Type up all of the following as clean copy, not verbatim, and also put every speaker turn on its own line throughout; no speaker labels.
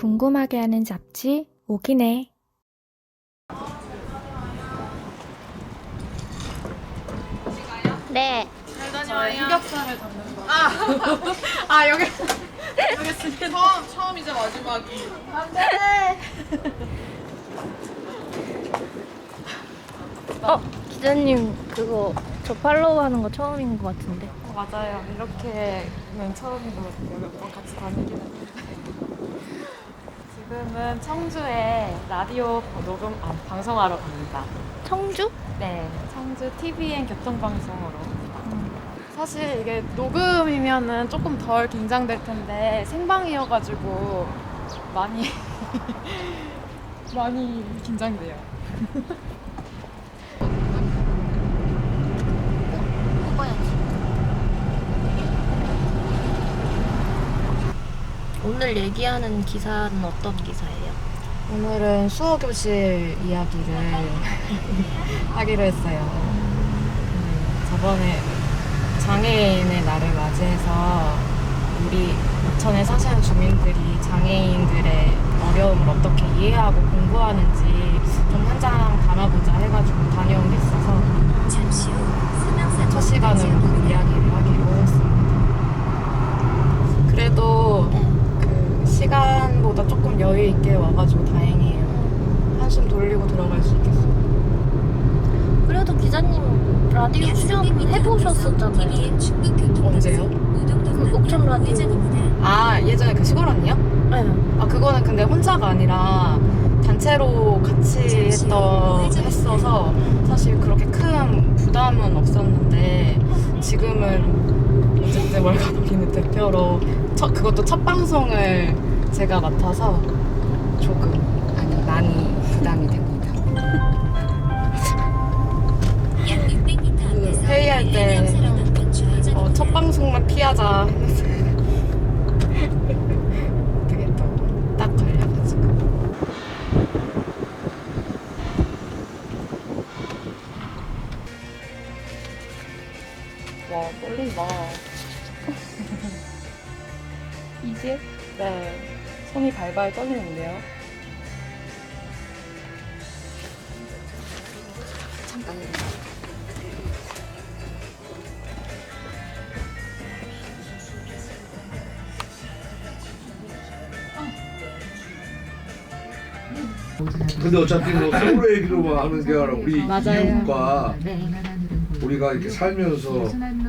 궁금하게 하는 잡지 오기네.
네.
저희 흑역사를 담는 거. 여기 있습니다. 처음이자 마지막이.
기자님 그거 저 팔로우 하는 거 처음인 것 같은데.
맞아요. 이렇게는 처음인 것 같아요. 몇 번 같이 다니긴 했는데. 지금은 청주에 라디오 방송하러 갑니다.
청주?
네, 청주 TVN 교통방송으로. 사실 이게 녹음이면은 조금 덜 긴장될 텐데 생방이어가지고 많이 많이 긴장돼요.
오늘 얘기하는 기사는 어떤 기사예요?
오늘은 수어 교실 이야기를 하기로 했어요. 저번에 장애인의 날을 맞이해서 우리 부천에 사시는 주민들이 장애인들의 어려움을 어떻게 이해하고 공부하는지 좀 현장 담아보자 해가지고 다녀온 게 있어서 첫 시간으로 그 이야기를 하기로 했습니다. 그래도 그 시간보다 조금 여유 있게 와가지고 다행이에요. 한숨 돌리고 들어갈 수 있겠어요.
그래도 기자님 라디오 출연 해보셨었잖아요.
언제요?
그 옥천 라디오.
예전에 그 시골 언니요?
네.
그거는 근데 혼자가 아니라 단체로 같이 했어서 사실 그렇게 큰 부담은 없었는데 지금은 어쨌든 월간 어기는 대표로 그것도 첫 방송을 제가 맡아서 조금 많이 부담이 됩니다. 그 회의할 때 첫 방송만 피하자 했는데 어떻게 또 딱 걸려가지고.
와, 떨린다. 이제? 네. 손이 발발 떨리는데요.
잠깐만요.
근데 어차피 뭐 서울 얘기로만 하는 게 아니라 우리
맞아요.
이웃과 우리가 이렇게 살면서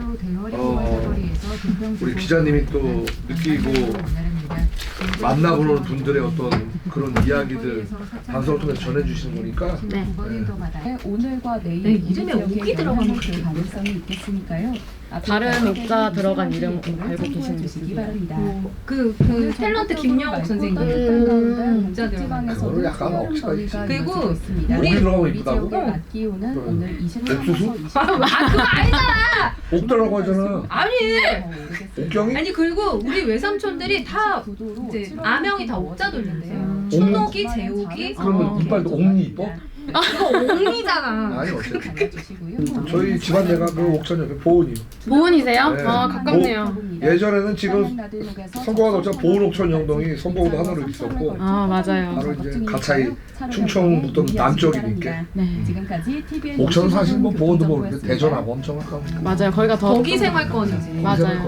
우리 기자님이 또 느끼고 만나보는 분들의 어떤 그런 이야기들 방송을 통해서 전해주시는 거니까.
네.
오늘과 내일
네, 이름에 옥이 들어가는
그 가능성이 있겠으니까요.
다른 옥자 들어간 이름 알고
계시는
계시는
주시기 바랍니다.
그 탤런트 김영옥 선생님.
그거는 약간 억지가 있지.
그리고
우리 들어가면 이쁘다고?
기온은 오늘 26에서
옥수수?
20도.
그거 아니잖아.
옥 들어가고 하잖아.
아니.
옥경이?
아니 그리고 우리 외삼촌들이 다 이제 아명이 다 옥자 돌린대요.
옥?
춘옥이, 제옥이.
그러면 이빨도 옥니 이뻐?
그거 옥리잖아.
아니 어쨌든 저희 집안 내가 그 옥천 옆에 보은이요.
보은이세요?
네.
가깝네요.
예전에는 지금 선거가 없자 보은 옥천 영동이 선거구도 하나로 있었고
맞아요.
바로 이제 가차이 충청북도 남쪽이니까.
지금까지 TVN
옥천은 사실 뭐 보은도 뭐 대전하고 엄청 가까우니까.
맞아요. 거기가 더
거기 생활권이지.
맞아요.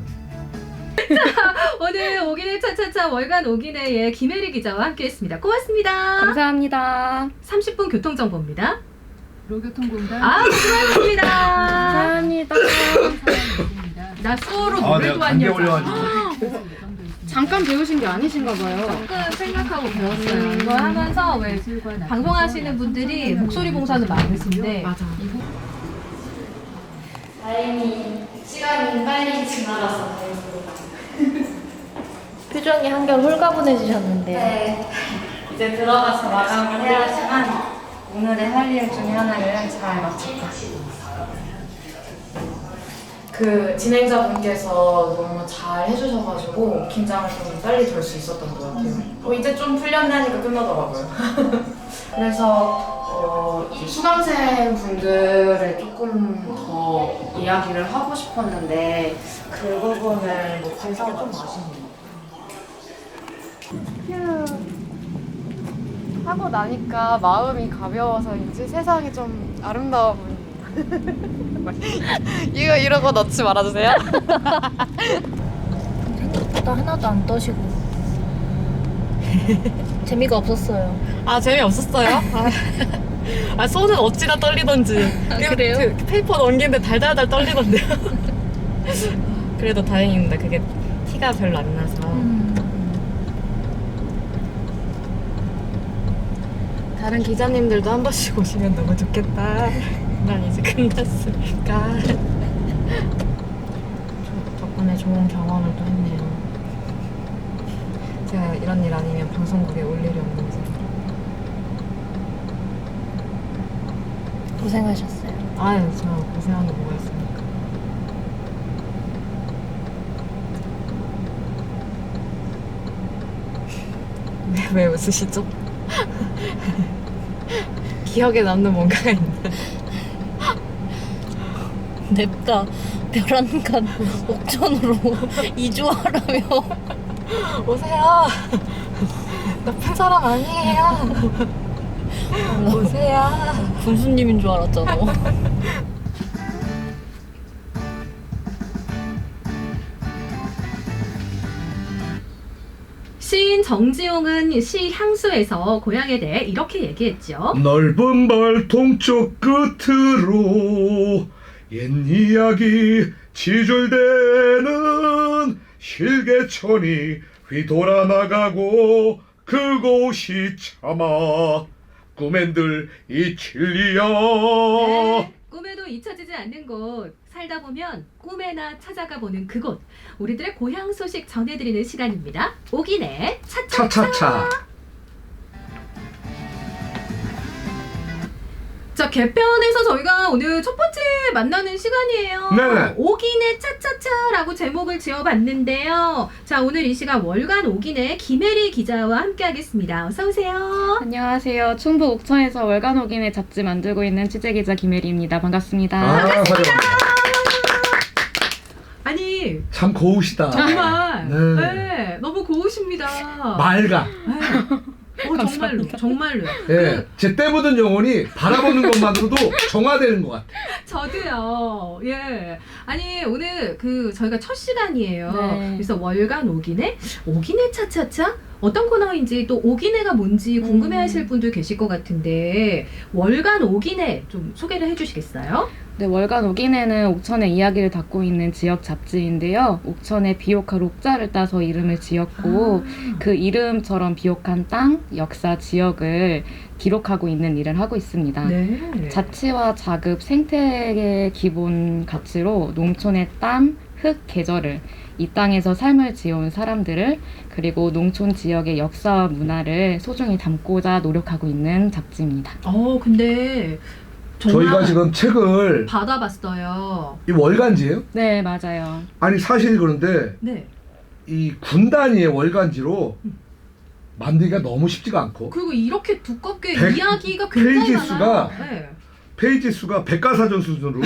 오늘 오기네 차차차 월간 오기네의 김혜리 기자와 함께했습니다. 고맙습니다.
감사합니다.
30분 교통정보입니다.
도로교통공단
수고하셨습니다.
감사합니다.
나 수어로
아
노래도
내가 감기
한 여자.
걸려가지고.
잠깐 배우신 게 아니신가 봐요.
조금 생각하고 배웠어요. 이거 하면서 왜 방송하시는 분들이 목소리 봉사는 많으신데
맞아.
다행히 시간이 빨리 지나가서 표정이 한결 홀가분해지셨는데.
네. 이제 들어가서 마감을 해야 하지만 오늘의 할 일 중에 하나를 잘 마쳤다. 그 진행자분께서 너무 잘 해주셔가지고 긴장을 좀 빨리 덜 수 있었던 것 같아요. 이제 좀 풀렸나니까 끝나더라고요. 그래서 이 수강생 분들을 조금 더 이야기를 하고 싶었는데 그 부분을 못해서 좀 아쉽네요.
하고 나니까 마음이 가벼워서인지 세상이 좀 아름다워 보이네요. 이거 이런 거 넣지 말아주세요.
생각보다 하나도 안 떠시고 재미가 없었어요.
아 재미없었어요? 아 손은 어찌나 떨리던지.
그래요?
그 페이퍼 넘기는데 달달달 떨리던데요. 그래도 다행입니다. 그게 티가 별로 안 나서. 다른 기자님들도 한 번씩 오시면 너무 좋겠다. 난 이제 끝났으니까. 덕분에 좋은 경험을 또 했네요. 제가 이런 일 아니면 방송국에 올 일이 없는지.
고생하셨어요.
아유, 저 고생한 게 뭐가 있습니까? 왜 웃으시죠? 기억에 남는 뭔가가 있나요?
냅다 벼란간 옥천으로 이주하라며.
오세요. 나쁜 사람 아니에요. 오세요.
군수님인 줄 알았잖아.
시인 정지용은 시 향수에서 고향에 대해 이렇게 얘기했죠.
넓은 발 동쪽 끝으로 옛 이야기 지줄대는 실개천이 휘돌아 나가고 그곳이 참아 꿈엔들 이칠리야.
네, 꿈에도 잊혀지지 않는 곳, 살다 보면 꿈에나 찾아가 보는 그곳, 우리들의 고향 소식 전해드리는 시간입니다. 오기네 차차차.
차차차.
자, 개편에서 저희가 오늘 첫 번째 만나는 시간이에요.
네.
오기네 차차차라고 제목을 지어봤는데요. 자, 오늘 이 시간 월간 오기네 김혜리 기자와 함께하겠습니다. 어서 오세요.
안녕하세요. 충북 옥천에서 월간 오기네 잡지 만들고 있는 취재기자 김혜리입니다. 반갑습니다.
반갑습니다.
아니
참 고우시다.
정말
네.
네, 너무 고우십니다.
맑아.
네. 정말로 정말로요.
예, 제 때 묻은 영혼이 바라보는 것만으로도 정화되는 것 같아.
저도요. 예. 아니 오늘 저희가 첫 시간이에요.
네.
그래서 월간 오기네 차차차 어떤 코너인지 또 오기네가 뭔지 궁금해하실 분들 계실 것 같은데 월간 오기네 좀 소개를 해주시겠어요?
네, 월간 오기네는 옥천의 이야기를 담고 있는 지역 잡지인데요. 옥천의 비옥한 옥자를 따서 이름을 지었고 그 이름처럼 비옥한 땅, 역사, 지역을 기록하고 있는 일을 하고 있습니다.
네.
자치와 자급, 생태의 기본 가치로 농촌의 땀, 흙, 계절을 이 땅에서 삶을 지어온 사람들을 그리고 농촌 지역의 역사와 문화를 소중히 담고자 노력하고 있는 잡지입니다.
근데 정말
저희가 지금 책을
받아봤어요.
이 월간지예요?
네, 맞아요.
아니 사실 그런데
네.
이 군 단위의 월간지로 만들기가 너무 쉽지가 않고
그리고 이렇게 두껍게
백-
이야기가 굉장히
페이지
많아요.
수가
네.
페이지 수가 백과사전 수준으로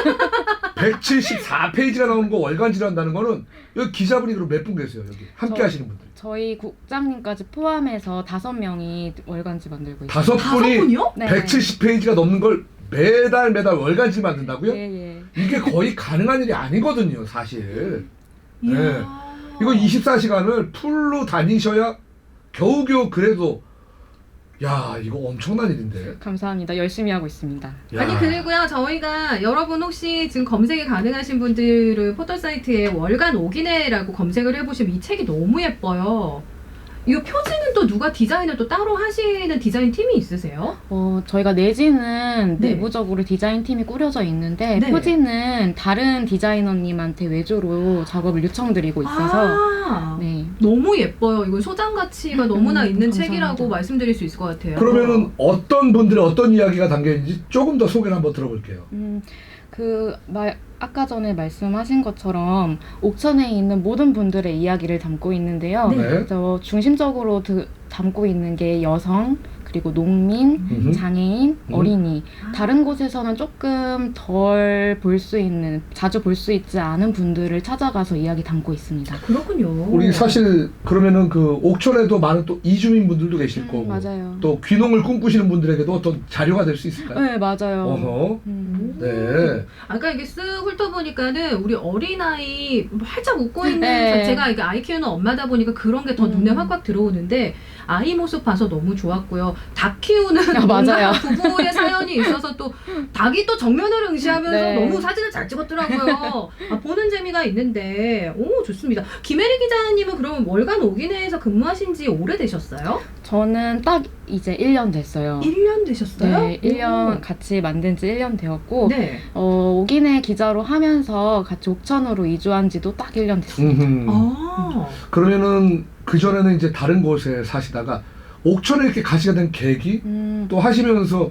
174페이지가 나오는 거 월간지로 한다는 거는 여기 기자분이 그럼 몇 분 계세요 여기 함께 하시는 분들
저희 국장님까지 포함해서 5명이 월간지 만들고 있어요.
5분이요?
네.
170페이지가 넘는 걸 매달 월간지 만든다고요?
예, 예.
이게 거의 가능한 일이 아니거든요 사실.
이야.
네. 이거 24시간을 풀로 다니셔야 겨우겨우 그래도 야 이거 엄청난 일인데.
감사합니다. 열심히 하고 있습니다.
야.
아니 그리고요 저희가 여러분 혹시 지금 검색이 가능하신 분들은 포털 사이트에 월간 오기네라고 검색을 해보시면 이 책이 너무 예뻐요. 이거 표지는 또 누가 디자인을 또 따로 하시는 디자인 팀이 있으세요?
저희가 내지는
네.
내부적으로 디자인 팀이 꾸려져 있는데
네.
표지는 다른 디자이너님한테 외주로 작업을 요청드리고 있어서 네.
너무 예뻐요. 이거 소장 가치가 너무나 있는
감사합니다.
책이라고 말씀드릴 수 있을 것 같아요.
그러면은 어떤 분들의 어떤 이야기가 담겨 있는지 조금 더 소개를 한번 들어볼게요.
아까 전에 말씀하신 것처럼 옥천에 있는 모든 분들의 이야기를 담고 있는데요.
네.
그래서 중심적으로 담고 있는 게 여성, 그리고 농민,
음흠.
장애인, 어린이 다른 곳에서는 조금 덜 볼 수 있는, 자주 볼 수 있지 않은 분들을 찾아가서 이야기 담고 있습니다.
그렇군요.
우리 사실 그러면은 그 옥천에도 많은 또 이주민 분들도 계실 거고
맞아요.
또 귀농을 꿈꾸시는 분들에게도 어떤 자료가 될 수 있을까요?
네, 맞아요.
어허.
음.
네.
아까 이게 쓱 훑어보니까는 우리 어린아이 활짝 웃고 있는
네.
제가 이게 아이 키우는 엄마다 보니까 그런 게 더 눈에 확확 들어오는데 아이 모습 봐서 너무 좋았고요. 닭 키우는
아, 맞아요.
부부의 사연이 있어서 또 닭이 또 정면을 응시하면서
네.
너무 사진을 잘 찍었더라고요. 보는 재미가 있는데 오 좋습니다. 김혜리 기자님은 그러면 월간 오기내에서 근무하신 지 오래되셨어요?
저는 딱 이제 1년 됐어요.
1년 되셨어요?
네, 1년
오.
같이 만든 지 1년 되었고
네.
오기내 기자로 하면서 같이 옥천으로 이주한 지도 딱 1년 됐습니다.
아.
그러면은 그 전에는 이제 다른 곳에 사시다가 옥천에 이렇게 가시게 된 계기 또 하시면서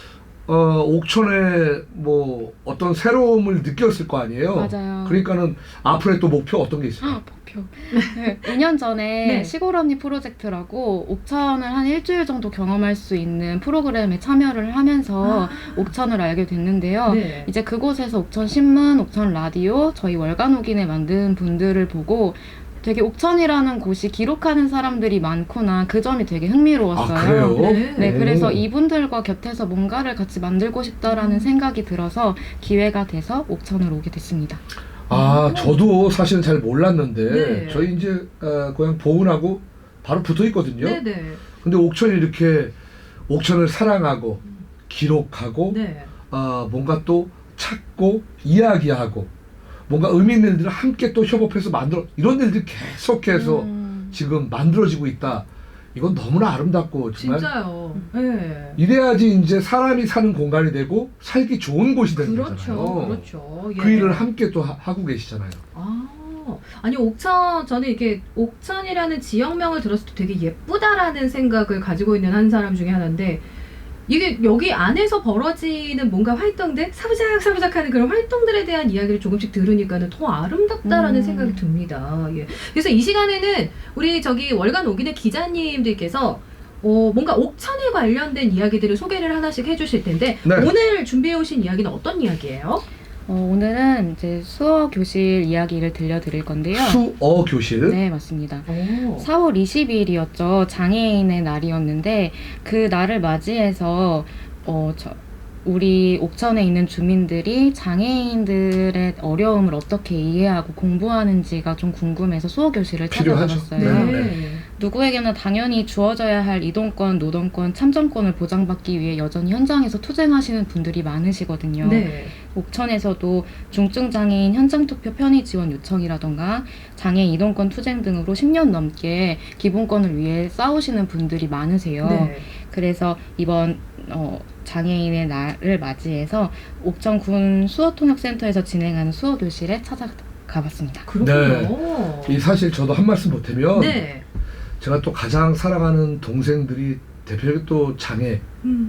옥천에 뭐 어떤 새로움을 느꼈을 거 아니에요.
맞아요.
그러니까는 앞으로의 또 목표 어떤 게 있어요?
목표. 네, 2년 전에
네.
시골 언니 프로젝트라고 옥천을 한 일주일 정도 경험할 수 있는 프로그램에 참여를 하면서 옥천을 알게 됐는데요.
네.
이제 그곳에서 옥천 신문, 옥천 라디오, 저희 월간 오기내 만든 분들을 보고 되게 옥천이라는 곳이 기록하는 사람들이 많구나, 그 점이 되게 흥미로웠어요.
아, 그래요?
네.
네, 그래서
오.
이분들과 곁에서 뭔가를 같이 만들고 싶다라는 생각이 들어서 기회가 돼서 옥천으로 오게 됐습니다.
아, 저도 사실은 잘 몰랐는데
네.
저희 이제 고향 보은하고 바로 붙어 있거든요.
네네.
근데 옥천이 이렇게 옥천을 사랑하고 기록하고
네.
뭔가 또 찾고 이야기하고 뭔가 의미 있는 일들을 함께 또 협업해서 만들어 이런 일들이 계속해서 지금 만들어지고 있다. 이건 너무나 아름답고 정말
진짜요. 네.
이래야지 이제 사람이 사는 공간이 되고 살기 좋은 곳이 되는
그렇죠.
거잖아요.
그렇죠.
그
예.
일을 함께 또 하고 계시잖아요.
아니 옥천, 저는 이렇게 옥천이라는 지역명을 들었을 때 되게 예쁘다라는 생각을 가지고 있는 한 사람 중에 하나인데, 이게 여기 안에서 벌어지는 뭔가 활동들, 사부작사부작하는 그런 활동들에 대한 이야기를 조금씩 들으니까는 더 아름답다라는 생각이 듭니다. 예. 그래서 이 시간에는 우리 저기 월간 오기내 기자님들께서 뭔가 옥천에 관련된 이야기들을 소개를 하나씩 해주실 텐데,
네.
오늘 준비해 오신 이야기는 어떤 이야기예요?
오늘은 이제 수어 교실 이야기를 들려드릴 건데요.
수어 교실.
네, 맞습니다.
오.
4월 20일이었죠. 장애인의 날이었는데 그 날을 맞이해서 우리 옥천에 있는 주민들이 장애인들의 어려움을 어떻게 이해하고 공부하는지가 좀 궁금해서 수어 교실을
필요하죠.
찾아가봤어요.
네.
누구에게나 당연히 주어져야 할 이동권, 노동권, 참정권을 보장받기 위해 여전히 현장에서 투쟁하시는 분들이 많으시거든요.
네.
옥천에서도 중증장애인 현장투표 편의 지원 요청이라던가 장애인 이동권 투쟁 등으로 10년 넘게 기본권을 위해 싸우시는 분들이 많으세요.
네.
그래서 이번 장애인의 날을 맞이해서 옥천군 수어통역센터에서 진행하는 수어교실에 찾아가봤습니다.
그렇군요.
이 사실 저도 한 말씀 보태면
네.
제가 또 가장 사랑하는 동생들이 대표적인 또 장애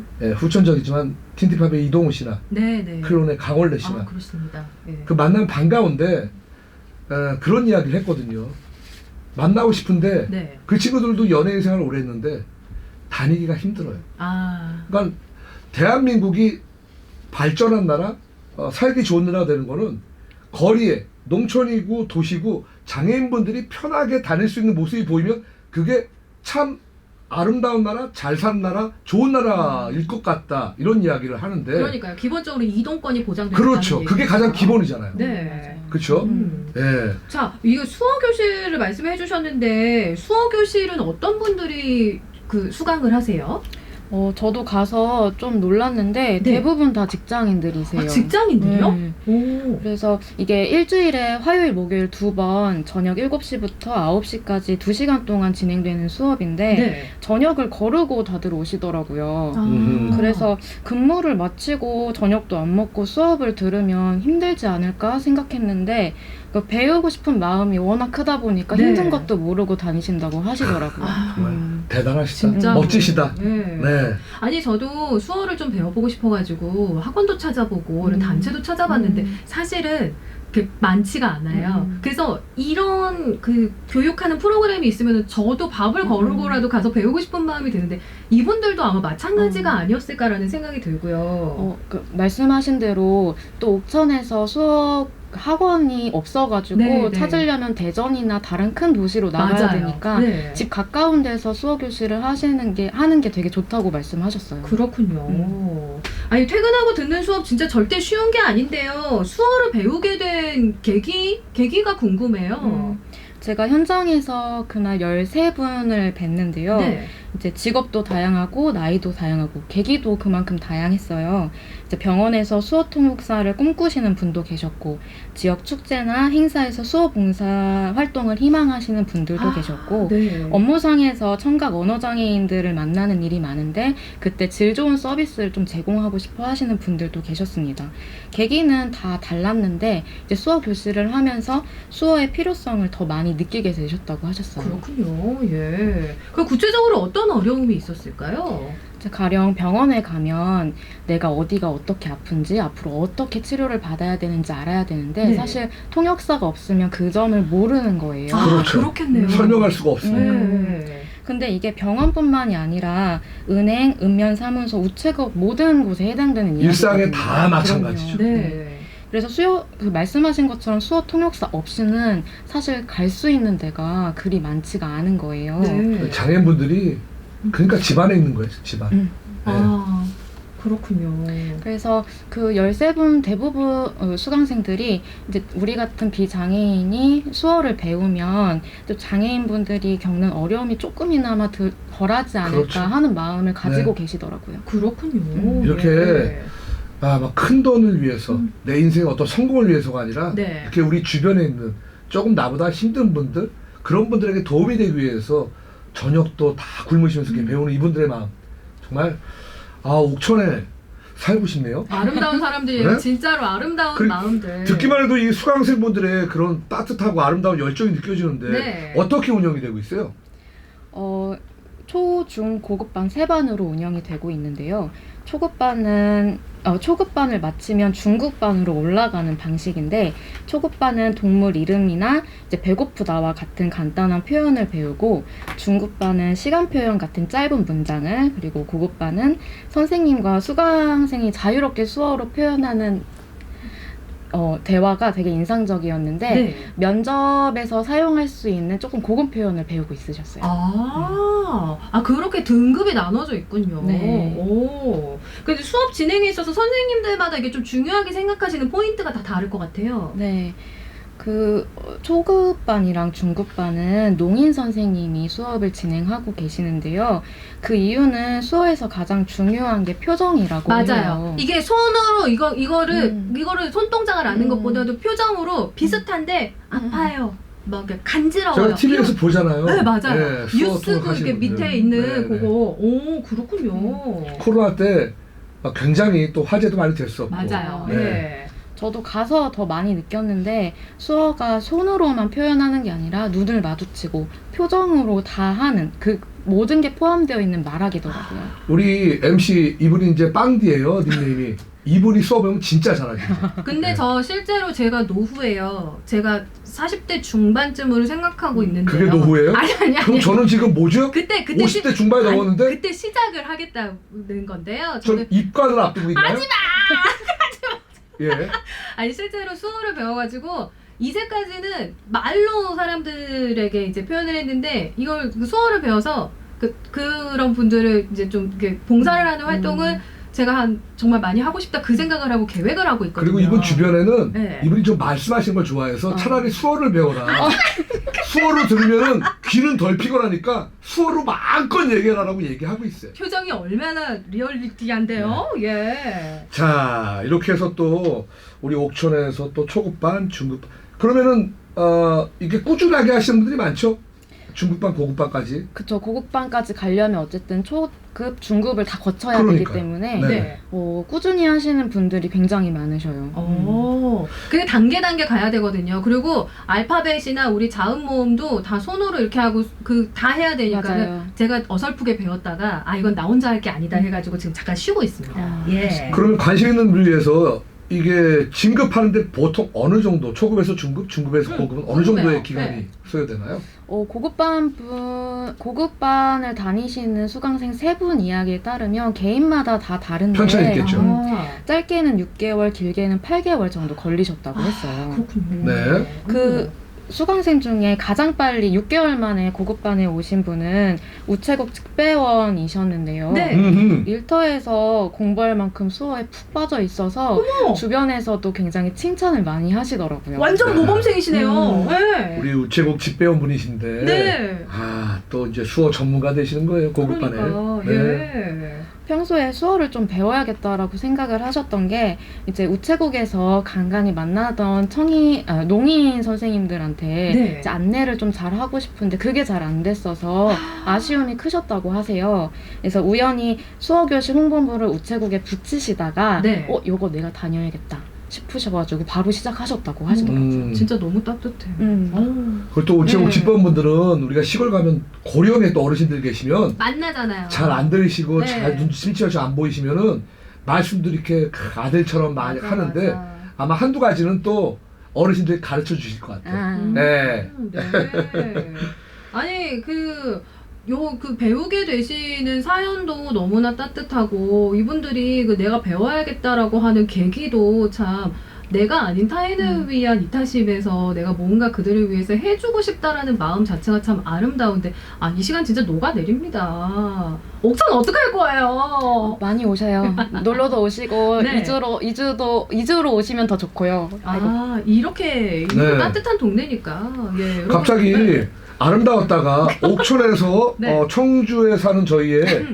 후천적이지만 틴티팝의 이동우 씨나
네.
클론의 강원래 씨나
그렇습니다. 네.
그 만나면 반가운데 그런 이야기를 했거든요. 만나고 싶은데
네.
그 친구들도 연예인 생활을 오래 했는데 다니기가 힘들어요. 그러니까 대한민국이 발전한 나라, 살기 좋은 나라가 되는 거는 거리에 농촌이고 도시고 장애인분들이 편하게 다닐 수 있는 모습이 보이면 그게 참 아름다운 나라, 잘 사는 나라, 좋은 나라일 것 같다, 이런 이야기를 하는데.
그러니까요. 기본적으로 이동권이 보장된다는
그렇죠. 그게
얘기죠.
가장 기본이잖아요.
네.
그렇죠? 예.
자, 이거 수어 교실을 말씀해 주셨는데 수어 교실은 어떤 분들이 그 수강을 하세요?
저도 가서 좀 놀랐는데
네.
대부분 다 직장인들이세요.
직장인들이요?
네.
오.
그래서 이게 일주일에 화요일, 목요일 2번 저녁 7시부터 9시까지 2시간 동안 진행되는 수업인데
네.
저녁을 거르고 다들 오시더라고요.
아.
그래서 근무를 마치고 저녁도 안 먹고 수업을 들으면 힘들지 않을까 생각했는데 배우고 싶은 마음이 워낙 크다 보니까
네.
힘든 것도 모르고 다니신다고 하시더라고요.
정말 대단하시다.
진짜
멋지시다.
네.
네.
아니 저도 수어를 좀 배워보고 싶어가지고 학원도 찾아보고 이런 단체도 찾아봤는데 사실은 많지가 않아요. 그래서 이런 그 교육하는 프로그램이 있으면 저도 밥을 거르고라도 가서 배우고 싶은 마음이 드는데 이분들도 아마 마찬가지가 아니었을까라는 생각이 들고요.
말씀하신 대로 또 옥천에서 수업 학원이 없어가지고
네, 네.
찾으려면 대전이나 다른 큰 도시로 나가야
맞아요.
되니까
네.
집 가까운 데서 수어 교실을 하는 게 되게 좋다고 말씀하셨어요.
그렇군요. 아니 퇴근하고 듣는 수업 진짜 절대 쉬운 게 아닌데요. 수어를 배우게 된 계기가 궁금해요.
제가 현장에서 그날 13분을 뵀는데요.
네.
이제 직업도 다양하고 나이도 다양하고 계기도 그만큼 다양했어요. 이제 병원에서 수어 통역사를 꿈꾸시는 분도 계셨고 지역 축제나 행사에서 수어 봉사 활동을 희망하시는 분들도 계셨고
네.
업무상에서 청각 언어장애인들을 만나는 일이 많은데 그때 질 좋은 서비스를 좀 제공하고 싶어 하시는 분들도 계셨습니다. 계기는 다 달랐는데 이제 수어 교실을 하면서 수어의 필요성을 더 많이 느끼게 되셨다고 하셨어요.
그렇군요. 예. 그 구체적으로 어떤 어려움이 있었을까요?
이제 가령 병원에 가면 내가 어디가 어떻게 아픈지 앞으로 어떻게 치료를 받아야 되는지 알아야 되는데
네.
사실 통역사가 없으면 그 점을 모르는 거예요.
그렇죠.
그렇겠네요.
설명할 수가 없어요.
네.
근데 이게 병원뿐만이 아니라 은행, 읍면, 사무소, 우체국 모든 곳에 해당되는
일상에
이야기거든요.
다 마찬가지죠.
그럼요. 그래서 말씀하신 것처럼 수어 통역사 없이는 사실 갈 수 있는 데가 그리 많지가 않은 거예요.
네.
장애인분들이 그러니까 집안에 있는 거예요. 집안. 네.
아, 그렇군요.
그래서 그 13분 대부분 수강생들이 이제 우리 같은 비장애인이 수어를 배우면 또 장애인분들이 겪는 어려움이 조금이나마 덜하지 않을까
그렇죠.
하는 마음을 가지고
네.
계시더라고요.
그렇군요.
이렇게
네.
막 큰 돈을 위해서 내 인생의 어떤 성공을 위해서가 아니라
네.
이렇게 우리 주변에 있는 조금 나보다 힘든 분들 그런 분들에게 도움이 되기 위해서 저녁도 다 굶으시면서 이렇게 배우는 이분들의 마음 정말 옥천에 살고 싶네요.
아름다운 사람들이에요.
네?
진짜로 아름다운 마음들.
듣기만 해도 이 수강생분들의 그런 따뜻하고 아름다운 열정이 느껴지는데
네.
어떻게 운영이 되고 있어요?
초, 중, 고급반 3반으로 운영이 되고 있는데요. 초급반을 마치면 중급반으로 올라가는 방식인데 초급반은 동물 이름이나 이제 배고프다와 같은 간단한 표현을 배우고 중급반은 시간 표현 같은 짧은 문장을 그리고 고급반은 선생님과 수강생이 자유롭게 수어로 표현하는 대화가 되게 인상적이었는데
네.
면접에서 사용할 수 있는 조금 고급 표현을 배우고 있으셨어요.
그렇게 등급이 나눠져 있군요.
네.
오. 근데 수업 진행에 있어서 선생님들마다 이게 좀 중요하게 생각하시는 포인트가 다 다를 것 같아요.
네. 초급반이랑 중급반은 농인 선생님이 수업을 진행하고 계시는데요. 그 이유는 수어에서 가장 중요한 게 표정이라고
맞아요.
해요.
이게 손으로 이거를 손동작을 하는 것보다도 표정으로 비슷한데 아파요. 막 이렇게 간지러워요.
제가 TV에서 보잖아요.
네, 맞아요.
네, 수어
뉴스 그
통역하시는
이렇게 밑에
분들.
있는
네, 네.
그거. 오, 그렇군요.
코로나 때 굉장히 또 화제도 많이 됐었고.
맞아요.
네.
네.
저도 가서 더 많이 느꼈는데 수어가 손으로만 표현하는 게 아니라 눈을 마주치고 표정으로 다 하는 그 모든 게 포함되어 있는 말하기더라고요.
우리 MC 이분이 이제 빵디예요 닉네임이. 이분이 수업하면 진짜 잘하시죠.
근데
네.
저 실제로 제가 노후예요. 제가 40대 중반쯤으로 생각하고 있는데요.
그게 노후예요?
아니.
그럼 저는 지금 뭐죠?
그때
50대 중반에 넘었는데
그때 시작을 하겠다는 건데요.
전 입관을 앞두고 있나요?
하지마!
예.
아니 실제로 수어를 배워가지고 이제까지는 말로 사람들에게 이제 표현을 했는데 이걸 수어를 배워서 그런 분들을 이제 좀 이렇게 봉사를 하는 활동을 제가 정말 많이 하고 싶다 그 생각을 하고 계획을 하고 있거든요.
그리고 이분 주변에는
네.
이분이 좀 말씀하시는 걸 좋아해서 차라리 수어를 배워라. 수어를 들으면은 귀는 덜 피곤하니까 수어로 마음껏 얘기하라고 얘기하고 있어요.
표정이 얼마나 리얼리티한데요. 예.
자, 이렇게 해서 또 우리 옥천에서 또 초급반, 중급반 그러면은 이게 꾸준하게 하시는 분들이 많죠? 중급반, 고급반까지.
그쵸. 고급반까지 가려면 어쨌든 초급, 중급을 다 거쳐야
그러니까요.
되기 때문에
네.
꾸준히 하시는 분들이 굉장히 많으셔요.
그게 단계 가야 되거든요. 그리고 알파벳이나 우리 자음 모음도 다 손으로 이렇게 하고 다 해야 되니까는
맞아요.
제가 어설프게 배웠다가 이건 나 혼자 할 게 아니다 해가지고 지금 잠깐 쉬고 있습니다. 예.
그러면 관심 있는 분을 위해서 이게 진급하는데 보통 어느 정도 초급에서 중급, 중급에서 고급은 어느
궁금해요.
정도의 기간이
네.
소요되나요?
고급반을 다니시는 수강생 3분 이야기에 따르면 개인마다 다 다른데
편차가 있겠죠.
아,
짧게는 6개월, 길게는 8개월 정도 걸리셨다고 했어요.
그렇군요.
네.
그 수강생 중에 가장 빨리 6개월 만에 고급반에 오신 분은 우체국 직배원이셨는데요.
네.
일터에서 공부할 만큼 수어에 푹 빠져 있어서
어머!
주변에서도 굉장히 칭찬을 많이 하시더라고요.
완전 모범생이시네요. 네.
우리 우체국 집배원분이신데
네.
또 이제 수어 전문가 되시는 거예요, 고급반에.
그러니까,
네.
예.
평소에 수어를 좀 배워야겠다라고 생각을 하셨던 게 이제 우체국에서 간간히 만나던 농인 선생님들한테
네.
이제 안내를 좀 잘 하고 싶은데 그게 잘 안 됐어서 아쉬움이 크셨다고 하세요. 그래서 우연히 수어교실 홍보부를 우체국에 붙이시다가
네.
요거 내가 다녀야겠다 싶으셔가지고 바로 시작하셨다고 하시더라고요.
진짜 너무 따뜻해.
그리고 또 우체국
네.
집배원분들은 우리가 시골 가면 고령의 또 어르신들 계시면
만나잖아요.
잘 안 들으시고
네.
잘 눈치침침하시 안 보이시면은 말씀도 이렇게 아들처럼 많이 하는데
맞아.
아마 한두 가지는 또 어르신들이 가르쳐 주실 것 같아요. 네.
네. 아니 그 배우게 되시는 사연도 너무나 따뜻하고 이분들이 그 내가 배워야겠다라고 하는 계기도 참 내가 아닌 타인을 위한 이타심에서 내가 뭔가 그들을 위해서 해주고 싶다라는 마음 자체가 참 아름다운데 이 시간 진짜 녹아내립니다. 옥천 어떡할 거예요?
많이 오셔요. 놀러도 오시고
네.
2주로 오시면 더 좋고요.
이렇게
네.
따뜻한 동네니까. 예, 여러분.
갑자기
네.
아름다웠다가 옥천에서
네.
청주에 사는 저희의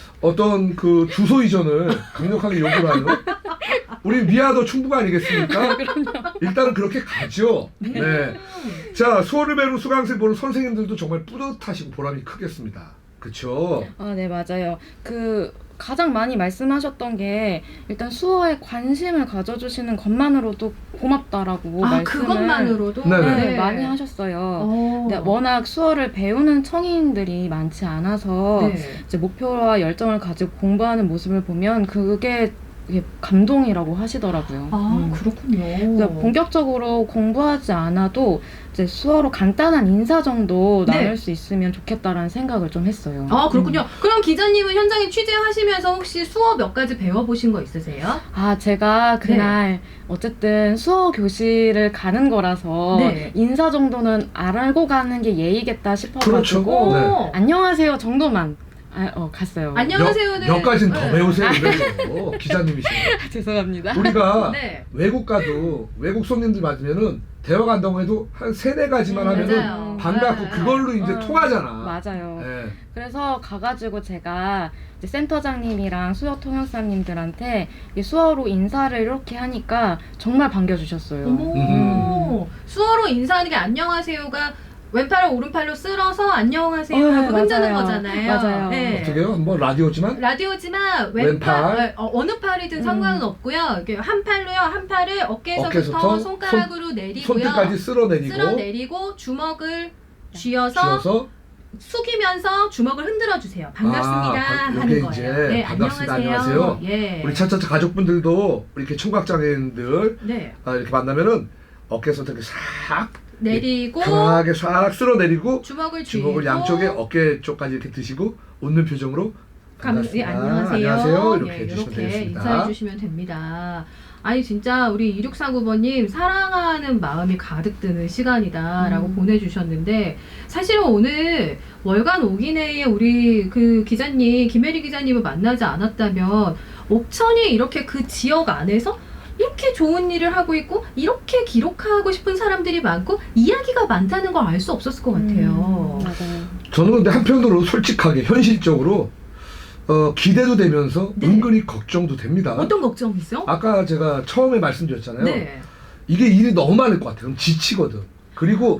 어떤 그 주소 이전을 강력하게 요구를 하는 우리 미아도 충북 아니겠습니까? 일단은 그렇게 가죠. 네. 자, 수어를 배우는 수강생 보는 선생님들도 정말 뿌듯하시고 보람이 크겠습니다. 그렇죠?
네, 맞아요. 가장 많이 말씀하셨던 게 일단 수어에 관심을 가져주시는 것만으로도 고맙다라고 말씀을
그것만으로도
네네.
많이 하셨어요. 근데 워낙 수어를 배우는 청인들이 많지 않아서
네.
이제 목표와 열정을 가지고 공부하는 모습을 보면 그게 감동이라고 하시더라고요.
그렇군요.
그래서 본격적으로 공부하지 않아도 이제 수어로 간단한 인사 정도
네.
나눌 수 있으면 좋겠다라는 생각을 좀 했어요.
그렇군요. 그럼 기자님은 현장에 취재하시면서 혹시 수어 몇 가지 배워보신 거 있으세요?
제가 그날 어쨌든 수어 교실을 가는 거라서
네.
인사 정도는 알고 가는 게 예의겠다 싶어가지고
그렇죠. 네.
안녕하세요 정도만 갔어요.
안녕하세요는
몇 가지는 더
네.
배우세요. 그래요. 기자님이시네요.
죄송합니다.
우리가
네.
외국 가도 외국 손님들 맞으면은 대화 간다고 해도 한 3-4가지만 하면은
맞아요.
반갑고
네.
그걸로 이제 통하잖아.
맞아요.
네.
그래서 가가지고 제가 이제 센터장님이랑 수어 통역사님들한테 이 수어로 인사를 이렇게 하니까 정말 반겨주셨어요.
어머. 수어로 인사하는 게 안녕하세요가 왼팔을 오른팔로 쓸어서 안녕하세요 하고 흔드는
맞아요.
거잖아요.
맞아요.
네.
어떻게요? 한번 라디오지만
라디오지만
왼팔.
어느 팔이든 상관은 없고요. 이렇게 한 팔로요. 한 팔을 어깨에서부터 손가락으로 내리고요.
손끝까지
쓸어내리고 주먹을 쥐어서 숙이면서 주먹을 흔들어 주세요. 반갑습니다 하는
이게
거예요.
이제
네,
반갑습니다. 안녕하세요.
예.
우리 차차차 가족분들도 이렇게 청각장애인들
네.
이렇게 만나면은 어깨에서부터 이렇게 싹
내리고
편하게 싹 쓸어내리고
주먹을
주먹을 양쪽에 어깨 쪽까지 이렇게 드시고 웃는 표정으로 반갑습니다.
안녕하세요.
이렇게 해주시면
이렇게
되겠습니다.
인사해 주시면 됩니다. 아니 진짜 우리 2639번님 사랑하는 마음이 가득 드는 시간이다라고 보내주셨는데 사실은 오늘 월간 오기내에 우리 그 기자님 김혜리 기자님을 만나지 않았다면 옥천이 이렇게 그 지역 안에서 이렇게 좋은 일을 하고 있고 이렇게 기록하고 싶은 사람들이 많고 이야기가 많다는 걸 알 수 없었을 것 같아요.
맞아요.
저는 근데 한편으로 솔직하게 현실적으로 기대도 되면서 은근히 걱정도 됩니다.
어떤 걱정이죠?
아까 제가 처음에 말씀드렸잖아요.
네.
이게 일이 너무 많을 것 같아요. 그럼 지치거든. 그리고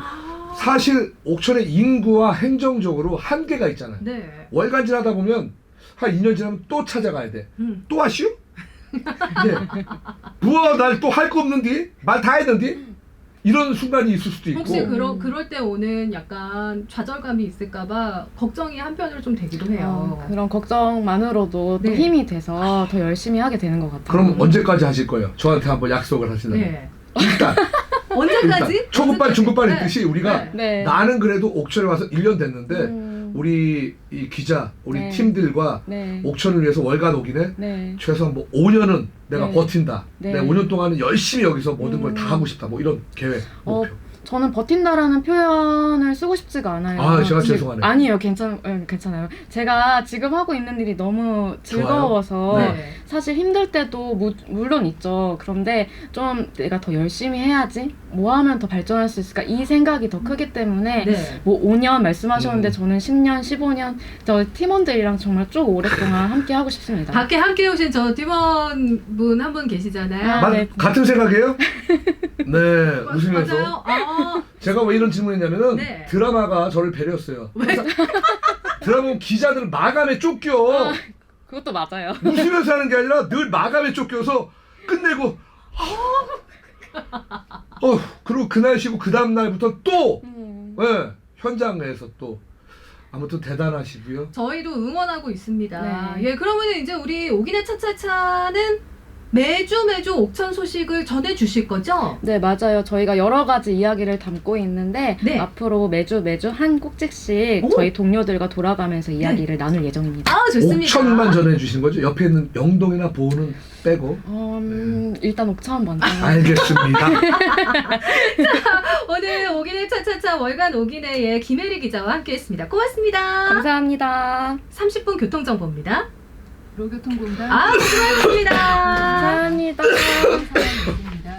사실 옥천의 인구와 행정적으로 한계가 있잖아요.
네.
월간 지나다 보면 한 2년 지나면 또 찾아가야 돼. 또 하시오? 네. 부어 날 또 할 거 없는디? 말 다 했는디? 이런 순간이 있을 수도 있고.
혹시 그럴 때 오는 약간 좌절감이 있을까봐 걱정이 한편으로 좀 되기도 해요.
그런 걱정만으로도 또
네.
힘이 돼서 더 열심히 하게 되는 것 같아요.
그럼 언제까지 하실 거예요? 저한테 한번 약속을 하시나요?
네.
일단
언제까지?
초급반, 중급반
네.
있듯이 우리가
네.
나는 그래도 옥천에 와서 1년 됐는데 우리 이 기자, 우리
네.
팀들과
네.
옥천을 위해서 월간 오기네
네.
최소한 뭐 5년은 내가
네.
버틴다.
네.
내가 5년 동안은 열심히 여기서 모든 걸 다 하고 싶다. 뭐 이런 계획, 목표.
저는 버틴다라는 표현을 쓰고 싶지가 않아요.
아, 제가
근데
죄송하네요.
아니요, 괜찮아요. 제가 지금 하고 있는 일이 너무 즐거워서
네.
사실 힘들 때도 물론 있죠. 그런데 좀 내가 더 열심히 해야지. 뭐 하면 더 발전할 수 있을까? 이 생각이 더 크기 때문에
네.
뭐 5년 말씀하셨는데 저는 10년, 15년 저 팀원들이랑 정말 쭉 오랫동안 함께 하고 싶습니다.
밖에 함께 오신 저 팀원분 한 분 계시잖아요.
네.
같은 생각이에요? 네, 웃으면서.
맞아요. 아,
제가 왜 이런 질문했냐면은
네.
드라마가 저를 배려했어요. 드라마 기자들 마감에 쫓겨.
그것도 맞아요.
웃으면서 하는 게 아니라 늘 마감에 쫓겨서 끝내고 그리고 그날 쉬고 그 다음 날부터 또 예, 현장에서 또 아무튼 대단하시고요.
저희도 응원하고 있습니다.
네.
예, 그러면 이제 우리 오기네 차차차는 매주 옥천 소식을 전해주실 거죠?
네, 맞아요. 저희가 여러 가지 이야기를 담고 있는데
네.
앞으로 매주 한 꼭지씩 저희 동료들과 돌아가면서 이야기를 나눌 예정입니다.
아, 좋습니다.
옥천만 전해주시는 거죠? 옆에 있는 영동이나 보은은 빼고.
일단 옥천 먼저.
알겠습니다.
오늘 오기네 차차차 월간 오기네의 김혜리 기자와 함께했습니다. 고맙습니다.
감사합니다.
30분 교통정보입니다.
도로교통공단
아, 수고하셨습니다.
감사합니다.